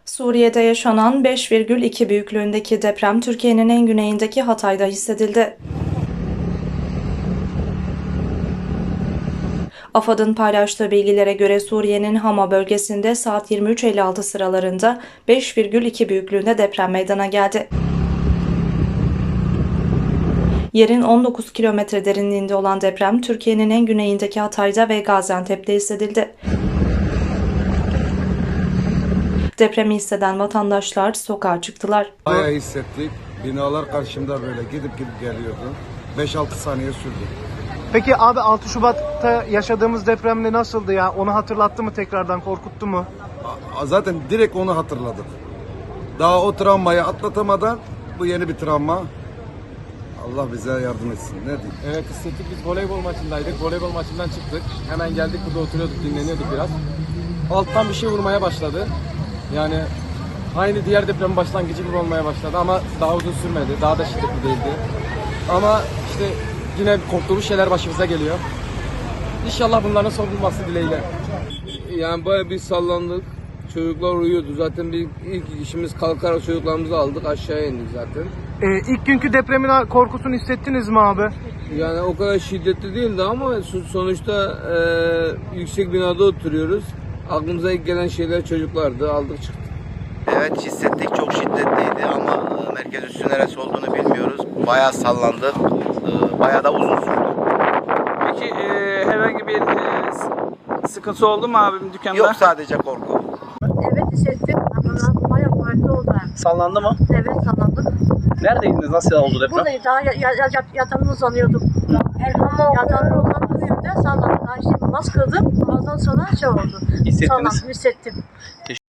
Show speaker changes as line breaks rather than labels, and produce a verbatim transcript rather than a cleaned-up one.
Suriye'de yaşanan beş virgül iki büyüklüğündeki deprem Türkiye'nin en güneyindeki Hatay'da hissedildi. AFAD'ın paylaştığı bilgilere göre Suriye'nin Hama bölgesinde saat yirmi üç elli altı sıralarında beş virgül iki büyüklüğünde deprem meydana geldi. Yerin on dokuz kilometre derinliğinde olan deprem Türkiye'nin en güneyindeki Hatay'da ve Gaziantep'te hissedildi. Depremi hisseden vatandaşlar sokağa çıktılar.
Bayağı hissettik. Binalar karşımda böyle gidip gidip geliyordu. beş altı saniye sürdü.
Peki abi altı Şubat'ta yaşadığımız depremde nasıldı ya? Onu hatırlattı mı tekrardan, korkuttu mu?
A- Zaten direkt onu hatırladık. Daha o travmayı atlatamadan bu yeni bir travma. Allah bize yardım etsin. Ne diyeyim?
Evet hissettik, biz voleybol maçındaydık. Voleybol maçından çıktık. Hemen geldik, burada oturuyorduk, dinleniyorduk biraz. Alttan bir şey vurmaya başladı. Yani aynı diğer depremin başlangıcı gibi olmaya başladı ama daha uzun sürmedi. Daha da şiddetli değildi. Ama işte yine korktuğumuz şeyler başımıza geliyor. İnşallah bunların son bulması dileğiyle.
Yani bayağı bir sallandık. Çocuklar uyuyordu. Zaten bir ilk işimiz kalkarak çocuklarımızı aldık. Aşağıya indik zaten.
Ee, ilk günkü depremin korkusunu hissettiniz mi abi?
Yani o kadar şiddetli değildi ama so- sonuçta e, yüksek binada oturuyoruz. Aklımıza ilk gelen şeyler çocuklardı. Aldık çıktık.
Evet hissettik, çok şiddetliydi ama e, merkez üssü neresi olduğunu bilmiyoruz. Bayağı sallandık, e, bayağı da uzun sürdü.
Peki e, herhangi bir e, s- sıkıntı oldu mu abim dükkanda?
Yok, sadece korku.
Evet hissettim ama bayağı kuvvetli oldu hem.
Sallandı mı?
Evet sanırım.
Neredeydiniz? Nasıl oldu deprem?
Buradayız daha ya, ya, ya, yatağımda uzanıyordum. Yatağımda uzandığım yerde sallandı. Daha işte namaz kıldım. Namazdan sonra şey oldu.
Hissettiniz.
Sallandım, hissettim.